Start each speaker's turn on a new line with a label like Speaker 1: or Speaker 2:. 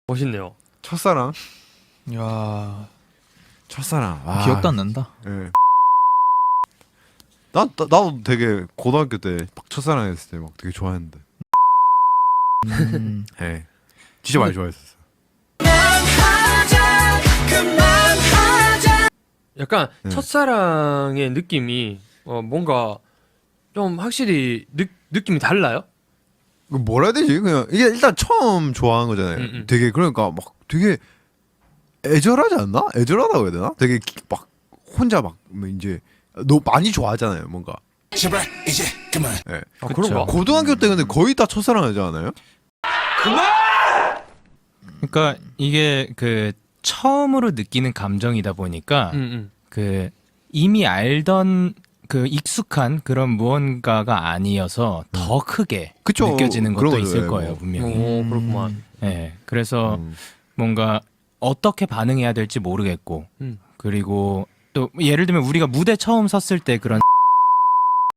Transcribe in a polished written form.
Speaker 1: 멋있네요.
Speaker 2: 첫사랑.
Speaker 3: 야,
Speaker 2: 첫사랑. 와.
Speaker 3: 기억도 안 난다.
Speaker 2: 예. 나도 되게 고등학교 때 막 첫사랑 했을 때 막 되게 좋아했는데. 예. 진짜 많이 좋아했었어.
Speaker 1: 약간
Speaker 2: 네.
Speaker 1: 첫사랑의 느낌이 뭔가 좀 확실히 느낌이 달라요?
Speaker 2: 그 뭐라 해야 되지? 그냥 이게 일단 처음 좋아하는 거잖아요. 되게 그러니까 막 되게 애절하지 않나? 애절하다고 해야 되나? 되게 막 혼자 막 이제 너 많이 좋아하잖아요, 뭔가.
Speaker 4: 제발 이제 그만.
Speaker 2: 예.
Speaker 1: 아, 그런가?
Speaker 2: 고등학교 때 근데 거의 다 첫사랑 하지 않아요?
Speaker 5: 그러니까 이게 그 처음으로 느끼는 감정이다 보니까 그 이미 알던 그 익숙한 그런 무언가가 아니어서 더 크게
Speaker 2: 그쵸.
Speaker 5: 느껴지는
Speaker 2: 그런
Speaker 5: 것도
Speaker 2: 거죠.
Speaker 5: 있을
Speaker 2: 예,
Speaker 5: 거예요,
Speaker 2: 뭐.
Speaker 5: 분명히.
Speaker 1: 오, 그렇구만.
Speaker 5: 네, 그래서
Speaker 2: 음.
Speaker 5: 뭔가 어떻게 반응해야 될지 모르겠고
Speaker 1: 음.
Speaker 5: 그리고 또 예를 들면 우리가 무대 처음 섰을 때 그런